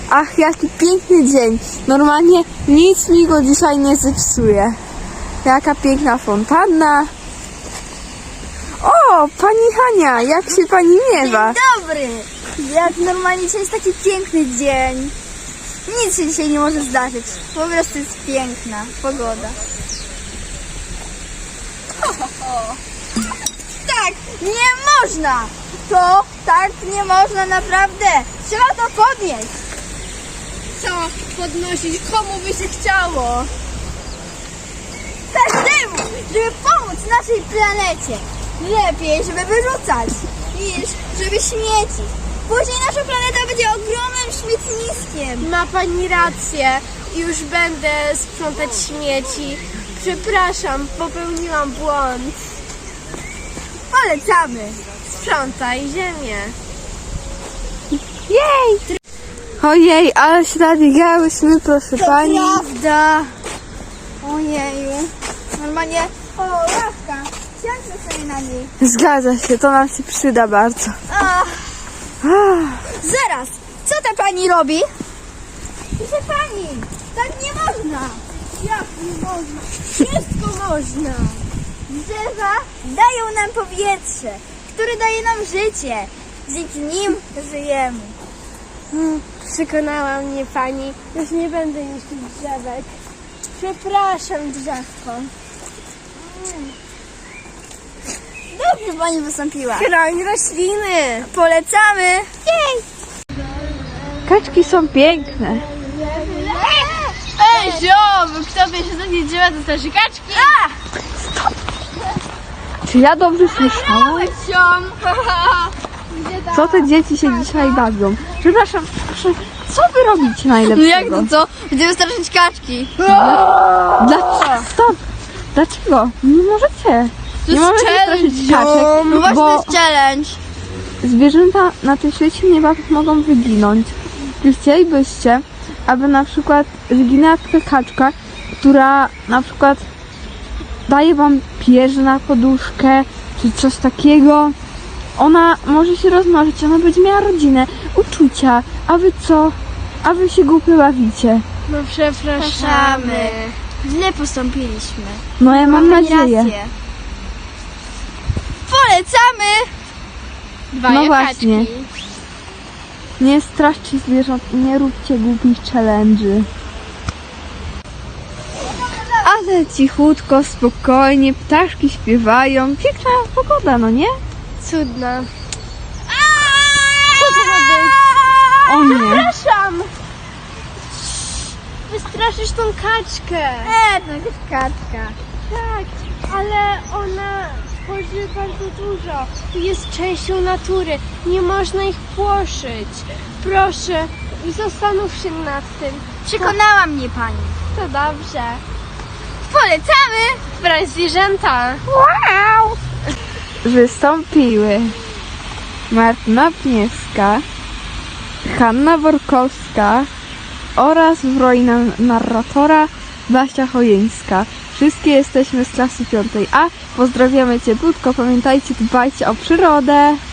Ach, jaki piękny dzień. Normalnie nic mi go dzisiaj nie zepsuje. Jaka piękna fontanna. O, pani Hania, jak się pani miewa? Dzień dobry! Jak normalnie dzisiaj jest taki piękny dzień. Nic się dzisiaj nie może zdarzyć. Po prostu jest piękna pogoda. Tak, nie można! To tak nie można naprawdę! Trzeba to podnieść! Co podnosić? Komu by się chciało? Każdemu, żeby pomóc naszej planecie. Lepiej, żeby wyrzucać, niż żeby śmiecić. Później nasza planeta będzie ogromnym śmietniskiem. Ma pani rację. Już będę sprzątać śmieci. Przepraszam, popełniłam błąd. Polecamy. Sprzątaj ziemię. Jej! Ojej, ale się nadbiegałyśmy, proszę pani. Prawda. Ojeju. Normalnie, o, ławka. Siądźmy sobie na niej. Zgadza się, to nam się przyda bardzo. Ach, Ach, zaraz, co ta pani robi? Proszę pani, tak nie można. Jak nie można? Wszystko można. Drzewa dają nam powietrze, które daje nam życie. Dzięki nim żyjemy. Przekonała mnie pani. Już nie będę niszczyć drzewek. Przepraszam, drzewko. Dobrze pani wystąpiła. Chroń rośliny. Polecamy. Jej. kaczki są piękne. Ej, ziom! Kto wie, że takie drzewa to też kaczki? Czy ja dobrze słyszałam? Ziom! Co te dzieci się dzisiaj bawią? Przepraszam, proszę, co wy robicie najlepszego? co? Będziemy straszyć kaczki. Dlaczego? Stop! Dlaczego? Nie możecie. Nie możecie straszyć kaczek, No właśnie bo to jest challenge. zwierzęta na tym świecie niebawem mogą wyginąć. Czy chcielibyście, aby na przykład wyginęła taka kaczka, która na przykład daje wam pierze na poduszkę, czy coś takiego? Ona może się rozmnożyć, ona będzie miała rodzinę, uczucia, a wy co? A wy się głupio bawicie. No przepraszamy. Źle postąpiliśmy. No ja mam Pani nadzieję. rację. Polecamy. Dwa No kaczki. właśnie. Nie straszcie zwierząt i nie róbcie głupich challenge'y. Ale cichutko, spokojnie, ptaszki śpiewają. Piękna pogoda, no nie? Cudna. O nie. Przepraszam! Wystraszysz tą kaczkę. To jest kaczka. Tak, ale ona tworzy bardzo dużo. Jest częścią natury. Nie można ich płoszyć. Proszę, zastanów się nad tym. Przekonała mnie pani. To dobrze. Polecamy. Brać zwierzęta. Wow. Wystąpiły Martyna Pniewska, Hanna Workowska oraz w roli narratora Basia Chojeńska. Wszystkie jesteśmy z klasy 5A. Pozdrawiamy cieplutko. Pamiętajcie, dbajcie o przyrodę.